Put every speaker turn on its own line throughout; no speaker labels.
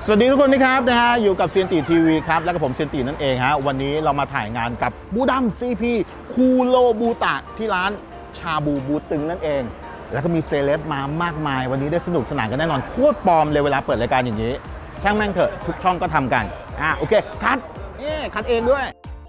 สวัสดีทุกคนนะครับอยู่กับเซียนตีทีวีครับแล้วก็ผมเซียนตีนั่นเองฮะวันนี้เรามาถ่ายงานกับบูดัมซีพีคูโรบูตะที่ร้านชาบูบูตึงนั่นเองแล้วก็มีเซเลบมามากมายวันนี้ได้สนุกสนานกันแน่นอนโคตรปลอมเลยเวลาเปิดรายการอย่างนี้ช่างแม่งเถอะทุกช่องก็ทำกันโอเคคัดคัดเองด้วย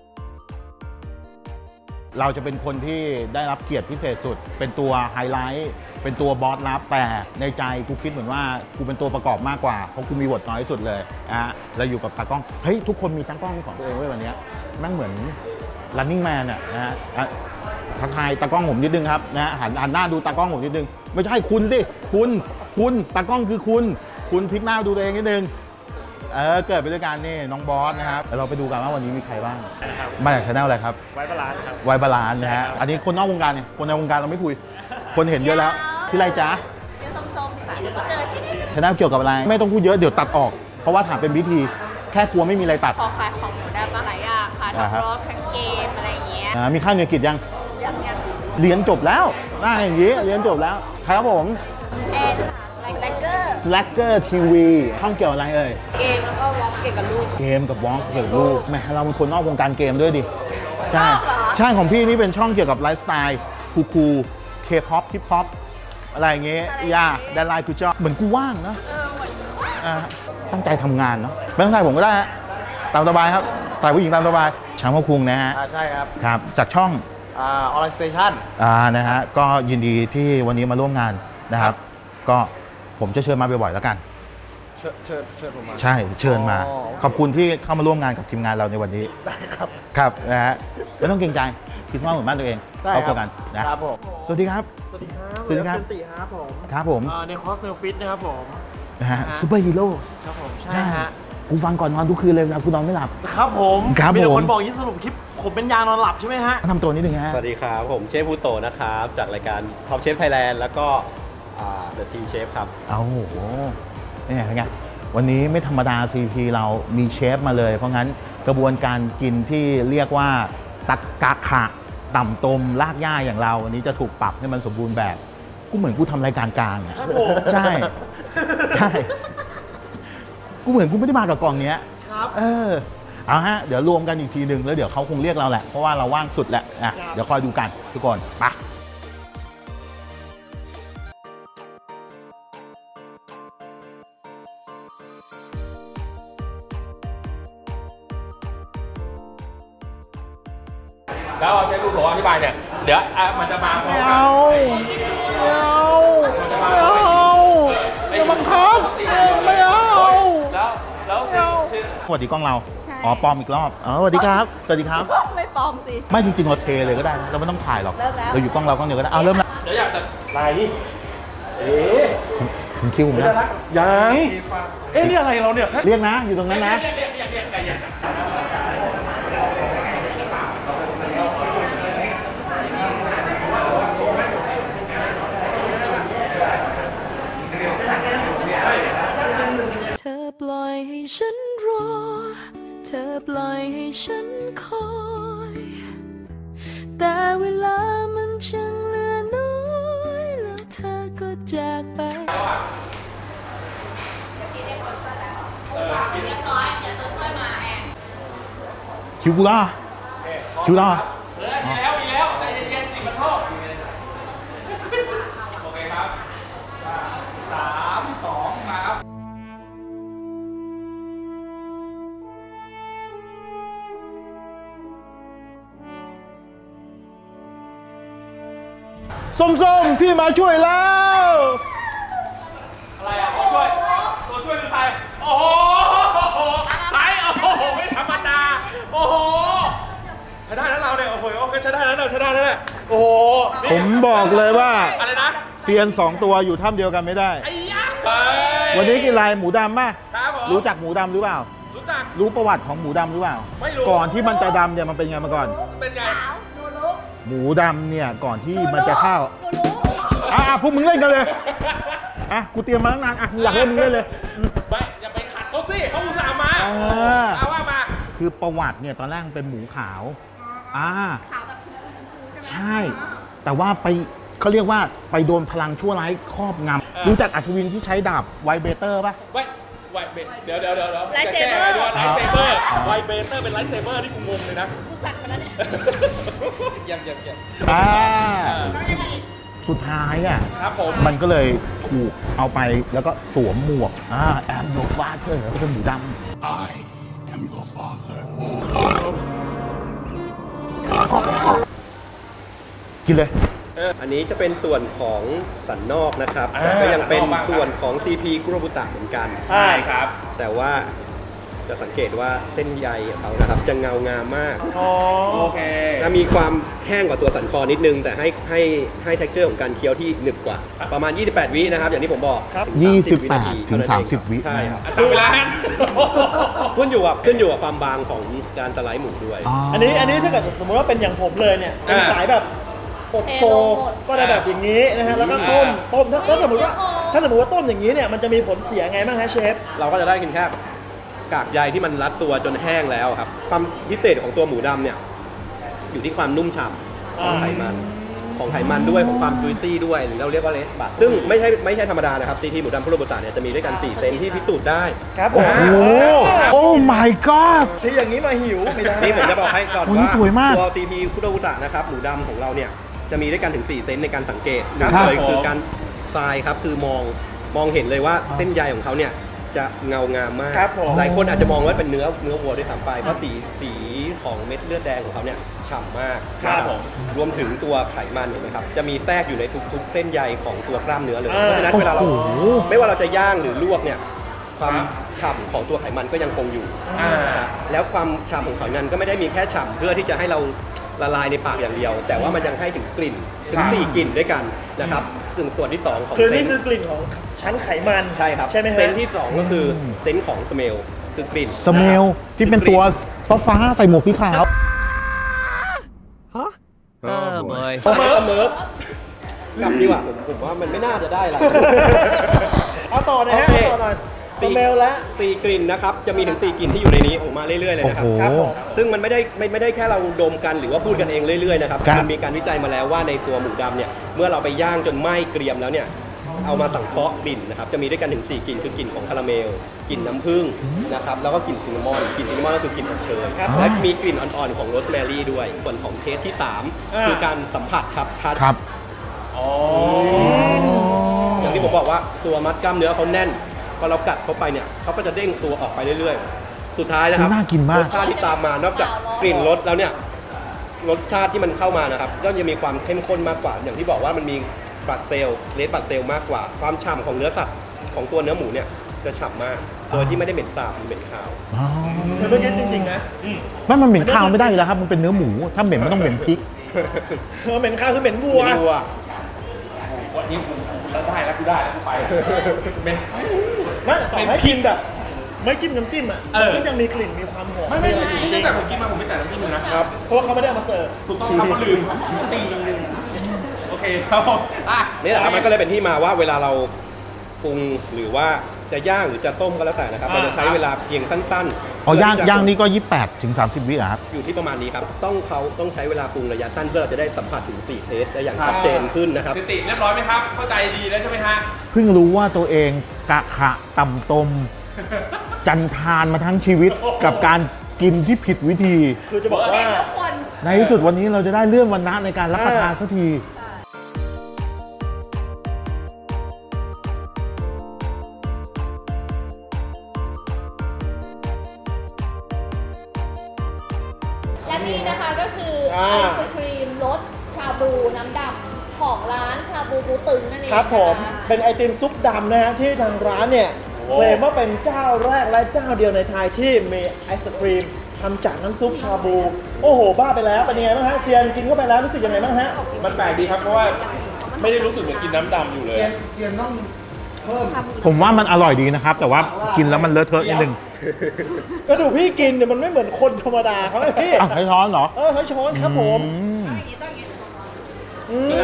เราจะเป็นคนที่ได้รับเกียรติพิเศษสุดเป็นตัวไฮไลท์เป็นตัวบอสลับแต่ในใจกูคิดเหมือนว่ากูเป็นตัวประกอบมากกว่าเพราะกูมีบทน้อยที่สุดเลยเราอยู่กับตากล้องเฮ้ยทุกคนมีตากล้องของตัวเองไว้วันนี้แม่งเหมือน running man ทักทายตากล้องผมนิดนึงครับหันหน้าดูตากล้องผมนิดนึงไม่ใช่คุณสิคุณตากล้องคือคุณพลิกหน้าดูตัวเองนิดนึงเกิดไปด้วยกันนี่น้องบอสนะครับเราไปดูกันว่าวันนี้มีใครบ้างมาจากชาแนลอะไรครับไวบาลานซ์ครับไวบาลานซ์นะฮะอันนี้คนนอกวงการเนี่ยคนในวงการเราไม่คุยคนเห็นเยอะแล้วที่ไรจ๊ะชื่อส้มๆค่ะชาแนลเกี่ยวกับอะไรไม่ต้องพูดเยอะเดี๋ยวตัดออกเพราะว่าถามเป็นวิธีแค่กลัวไม่มีอะไรตัด
ขอขายของหนูได้มาหลายอย่างค่ะทั้งรถทั้งเกมอะไรอย่างเงี้ย
มีค่าเงินกิจยังเรียนจบแล้วได้อย่างนี้เรียนจบแล้วครับผมSlacker TV ช่องเกี่ยวอะไรเอ่ย
เกมแล้วก็วอล์กเกี่ยวกับลูก
เกมกับวอล์กเกี่ยวกับลูกแม่เราเป็นคนนอกวงการเกมด้วยดิใช่ของพี่นี่เป็นช่องเกี่ยวกับไลฟ์สไตล์คูลเคป๊อปฮิปฮอปอะไรอย่างเงี้ยแดนไลน์กูชอบเหมือนกูว่างนะตั้งใจทำงานเนาะไม่ต้องถ่ายผมก็ได้ฮะตามสบายครับถ่ายผู้หญิงตามสบายช้างพ่อคุงนะฮะ
ใช่
ครับจากช่อง
ออนไลน์สเตชัน
นะฮะก็ยินดีที่วันนี้มาร่วมงานนะครับก็ผมจะเชิญมาบ่อยๆแล้วกัน
เชิญผมมา
ใช่เชิญมาขอบคุณที่เข้ามาร่วมงานกับทีมงานเราในวันนี้
ได้
ครับนะฮะไม่ต้องเกรงใจคิดว่าเหมือนบ้านตัวเองเข้าใจกันนะครับ
ผม
สวัสดีครับ
สวัสดีครับ
สวัสดีครับ
ติครับผม
ครับผม
ในคอสเมลฟิตนะครับผม
นะฮะซูเปอร์ฮีโร่
ครับผมใช่ฮะ
กูฟังก่อนนอนทุกคืนเลยนะกูนอนไม่หลับ
ครับผมมีแต่คนบอกยิ่งสรุปคลิปผมเป็นยานอนหลับใช่ไหมฮะ
ทำตัวนิดนึงฮะ
สวัสดีครับผมเชฟพูโตนะครับจากรายการ Top Chef Thailand แล้วก็The Teen Chef ครับ
โอ้โหนี่ไงวันนี้ไม่ธรรมดา CP เรามีเชฟมาเลยเพราะงั้นกระบวนการกินที่เรียกว่าตักกะขะต่ำตมลากหญ้าอย่างเราวันนี้จะถูกปรับให้มันสมบูรณ์แบบกูเหมือนกูทำรายการกลางอ่ะใช่กูเหมือนกูไม่ได้มากับกองเนี้ย
ครับ
เอาฮะเดี๋ยวรวมกันอีกทีหนึ่งแล้วเดี๋ยวเขาคงเรียกเราแหละเพราะว่าเราว่างสุดแหละเดี๋ยวคอยดูกันทุกคนไป
แล้วเชฟดูผมอธิบายเนี่ยเดี๋ยวมันจะมา
ไม่เอาอย่าบังคับไม่เอา
แล้ว
สวัสดีกล้องเราปลอมอีกรอบสวัสดีครับสวัสดีครับ
ไม่ปลอมสิ
ไม่จริงๆเราเทเลยก็ได้เราไม่ต้องถ่ายหรอกเราอยู่กล้องเรากล้องเดียวก็ได้เริ่มแล้ว
เดี๋ยวอยากจะอะไร
คุณคิวผมนะ
ยังนี่อะไรเราเนี่ย
เรียกนะอยู่ตรงนั้นนะ
เธอปล่อยให้ฉันรอเธอปล่อยให้ฉันคอยแต่เวลามันช่างเหลือน้อยแล้วเธอก็จากไป
คิวกูล่าคิวล่า
มีแล้วใจเย็นๆสิมาโทษโอเคครับ3 2มาครับ
ส้มๆพี่มาช่วยแล้ว
อะไรตัวช่วยหรือใครโอ้โหสายโอ้โหไม่ธรรมดาโอ้โหใช้ได้แล้วเราเนี่ยโอ้โหโอเคใช้ได้แล้วโอ้โห
ผมบอกเลยว่า
อะไรนะ
เซียน2ตัวอยู่ถ้ำเดียวกันไม่ได้วันนี้กินลายหมูดำป่ะรู้จักหมูดำหรือเปล่ารู้ประวัติของหมูดำหรือเปล่า
ไม่รู้
ก่อนที่มันจะดำเนี่ยมันเป็นไงมาก่อน
เป็นไง
หมูดำเนี่ยก่อนที่มันจะเข้าพวกมึงเล่นกันเลยกูเตรียมมาตั้งนานอยากเล่นมึงเล่นเลย
ไม่อย่าไปขัดเขาสิเขาอุตส่าห์มาว่ามา
คือประวัติเนี่ยตอนแรกเป็นหมูขาว
ขาวแบบชมพูใช่ไหม
ใช่แต่ว่าไปเขาเรียกว่าไปโดนพลังชั่วร้ายครอบงำรู้จักอัศวินที่ใช้ดาบไวเบเตอร์ป่ะ
ไวเบเดี๋ยว
ไลท์เซเบอร์
ไลท์เซเบอร์ไวเบเตอร์เป็นไลท์เซเบอร์ที่กูงงเลยนะ
กูกัดไปแล้วเนี่ย
เยี่ยม
สุดท้ายอ่ะ
ครับผม
มันก็เลยถูกเอาไปแล้วก็สวมหมวกแอมโนฟาเธอก็เป็นหมูด
I am your father.
ำกินเลย
อันนี้จะเป็นส่วนของสันนอกนะครับ ก็ยังเป็นส่วนของ CP คุโรบุตะเหมือนกัน
ใช่ครับ
แต่ว่าจะสังเกตว่าเส้นใยของเขานะครับจะเงางามมาก
โอเค
จะมีความแห้งกว่าตัวสันคอนิดนึง แต่ให้ texture ของการเคี้ยวที่หนึบกว่า ประมาณ 28 วินะครับ อย่างที่ผมบอกถึง30
28 ถึง 30 วิ
ใช่ครับ
จับเวลาฮะ
ขึ้นอยู่กับความบางของการสไลด์หมูด้วย
อันนี้ถ้าเกิดสมมติว่าเป็นอย่างผมเลยเนี่ยเป็นสายแบบอบโซก็ได้แบบอย่างนี้นะฮะแล้วก็ต้มถ้าสมมติว่าต้มอย่างนี้เนี่ยมันจะมีผลเสียไงบ้างฮะเชฟ
เราก็จะได้กินแค่กากใยที่มันรัดตัวจนแห้งแล้วครับ ความพิเศษของตัวหมูดำเนี่ยอยู่ที่ความนุ่มฉ่ำของไขมันด้วยของความจุยซี่ด้วยหรือเราเรียกว่าเลสบัตซึ่งไม่ใช่ธรรมดานะครับซีทีหมูดำคุโรบุตะเนี่ยจะมีด้วยกัน4เซนที่พิสูจน์ได้
ครับผม
โอ้ my god
ที่อย่างนี้มาหิวไม่ได้
นี่ผมจะบอกให้ก่อน
โอ้นี่
ว่า
สวยมาก
ตัวซีทีคุโรบุตะนะครับหมูดำของเราเนี่ยจะมีด้วยกันถึง4เซนในการสังเกตหนึ่ง
ครับ
เลยคือการทรายครับคือมองเห็นเลยว่าเส้นใยของเขาเนี่ยจะเงางามมาก
ครับผม
หลายคนอาจจะมองว่าเป็นเนื้อวัวด้วยซ้ำไปเพราะสีของเม็ดเลือดแดงของเขาเนี่ยฉ่ำมาก
ครับผม
รวมถึงตัวไขมันเห็นไหมครับจะมีแทรกอยู่ในทุกๆเส้นใยของตัวกล้ามเนื้อเลยเพราะฉะนั้นเวลาเรา
โอ้โห
ไม่ว่าเราจะย่างหรือลวกเนี่ยความฉ่ำของตัวไขมันก็ยังคงอยู่ นะฮะแล้วความฉ่ำของไขมันก็ไม่ได้มีแค่ฉ่ำเพื่อที่จะให้เราละลายในปากอย่างเดียว แต่ว่ามันยังให้ถึงกลิ่นถึง4กลิ่นด้วยกันนะครับซึ่งส่วนที่2ของ
คือ
เซ
นี่
น
คือกลิ่นของชั้นไขมัน
ใช่ครับ
ใช่ไหมฮะ
เซนที่2ก็คือเซนของสเมลคือกลิ่น
สเมลที่เป็นตัวฟ้าๆใส่หมวกสีขาว
Oh boy.
เมิร์ฟกลับดีกว่าผมว่ามันไม่น่าจะได้อะไร
เอาต่อหนะฮะ
โอเค
ต่อหน่อยสเมลแล้ว
4กลิ่นนะครับจะมีถึง4กลิ่นที่อยู่ในนี้ออกมาเรื่อยๆเลยนะครับ
โอ้โห
ครับผมซึ่งมันไม่ได้แค่เราดมกันหรือว่าพูดกันเองเรื่อยๆนะครับ
ครับ
มันมีการวิจัยมาแล้วว่าในตัวหมูดำเนี่ยเมื่อเราไปย่างจนไหม้เกรียมแล้วเนี่ยเอามาสังเคราะห์กลิ่นนะครับจะมีด้วยกันถึง4กลิ่นคือกลิ่นของคาราเมลกลิ่นน้ำผึ้งนะครับแล้วก็กลิ่นซินนามอนกลิ่นซินนามอนก็คือกลิ่นอบเชยและมีกลิ่นอ่อนๆของโรสแมรี่ด้วยส่วนของเทสที่3คือการสัมผัสครับทัช
ครับ
อย่างที่ผมบอกว่าตัวมัดกล้ามเนื้อเขาแน่นพอเรากัดเข้าไปเนี่ยเขาก็จะเด้งตัวออกไปเรื่อยๆ สุดท้ายนะครับ
น่ากินมาก
รสชาติที่ตามมานอกจากกลิ่นรสแล้วเนี่ยรสชาติที่มันเข้ามานะครับก็จะมีความเข้มข้นมากกว่า อย่างที่บอกว่ามันมีบัตเซลเลสบัตเซลมากกว่าความฉ่ำของเนื้อสัตว์ของตัวเนื้อหมูเนี่ยจะฉ่ำมากโดยที่ไม่ได้เหม็นสาบหรือเหม็นคาว
คือเมื่อกี้จริงๆนะ
มันเหม็นข้าวไม่ได้อยู่แล้วครับ มันเป็นเนื้อหมู ถ้าเหม็นมันต้องเหม็นพริก
เหม็นข้าวคือเหม็นวัว
วัว
วันนี้กูแล้วได้แล้วกูได้แล้วกูไปเป็น
ไม่ต่อให้กินแบบ ไม่จิ้มน้ำจิ้มอ่ะ
เออ
ก็ยังมีกลิ่นมีความหอม
ไม่
จริ
ตั้
ง
งแต่ผมกินมาผมไม่แต่น้ำจิ้มเลยนะ
เพราะว่าเขาไม่ได้เอามาเสิร์ฟ
ถูกต้องครับก็ลืมตีลืมโอเคครับอ่ะ
นี่แหละครับมันก็เลยเป็นที่มาว่าเวลาเราปรุงหรือว่าจะย่างหรือจะต้มก็แล้วแต่นะครับเราจะใช้เวลาเพียงสั้นๆ
อ๋อย่าง
เพื่ที่จะ
ย่างนี่ก็ 28 ถึง 30 วิอ่ะครับ
อยู่ที่ประมาณนี้ครับต้องใช้เวลาปรุงระยะสั้นเพื่อเราจะได้สัมผัสถึง4เทสได้อย่างชัดเจนขึ้นนะครับ
สติเรียบร้อยไหมครับ เข้าใจดีแล้วใช่ไหมฮะ
เพิ่งรู้ว่าตัวเองกะขะต่ำตม จันทานมาทั้งชีวิตกับการกินที่ผิดวิธี
คือจะบอกว่า
ทุกคน
ในที่สุดวันนี้เราจะได้เลื่อนวันนะในการรับประทานสักที
และนี่นะคะก็คือไอศครีมรสชาบูน้ำดำของร้านชาบูบูตึงนั่นเอง
ครับผม
นะคะ
เป็นไอติมซุปดำนะฮะที่ทางร้านเนี่ยเคลมว่าเป็นเจ้าแรกและเจ้าเดียวในไทยที่มีไอศครีมทำจากน้ำซุปชาบู โอ้โห บ้าไปแล้วเป็นยังไงบ้างฮะเซียนกินเข้าไปแล้วรู้สึกยังไงบ้างฮะ
มันแปลกดีครับเพราะว่าไม่ได้รู้สึกเหมือนกินน้ำดำอยู่เลย
ผมว่ามันอร่อยดีนะครับ แต่ว่ากินแล้วมันเลอะเทอะนิดนึง
กระดูกพี่กินเนี่ยมันไม่เหมือนคนธรรมดาเขาเลยพี่
อ้าวใช้ช้อนเหรอ
ใช้ช้อนครับผม
อืม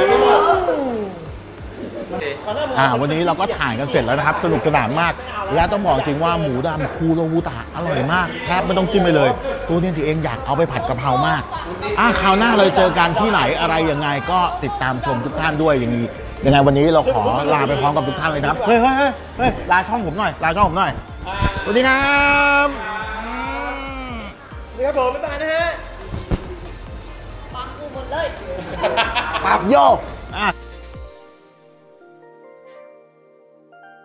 วันนี้เราก็ถ่ายกันเสร็จแล้วนะครับ สนุกสนานมาก และต้องบอกจริงว่าหมูดำคูโรบุตะอร่อยมากแทบไม่ต้องจิ้มไปเลย ตัวนี้ที่เองอยากเอาไปผัดกะเพรามากคราวหน้าเราเจอกันที่ไหนอะไรยังไงก็ติดตามชมทุกท่านด้วยอย่างนี้ยังไงวันนี้เราขอลาไปพร้อมกับทุกท่านเลยนะครับเฮ้ยลาช่องผมหน่อยลาช่องผมหน่อยสวัสดีครับ
นี่ครับผมบ๊ายบายนะฮะ
ฟังกูหมดเลย
ปรับโยก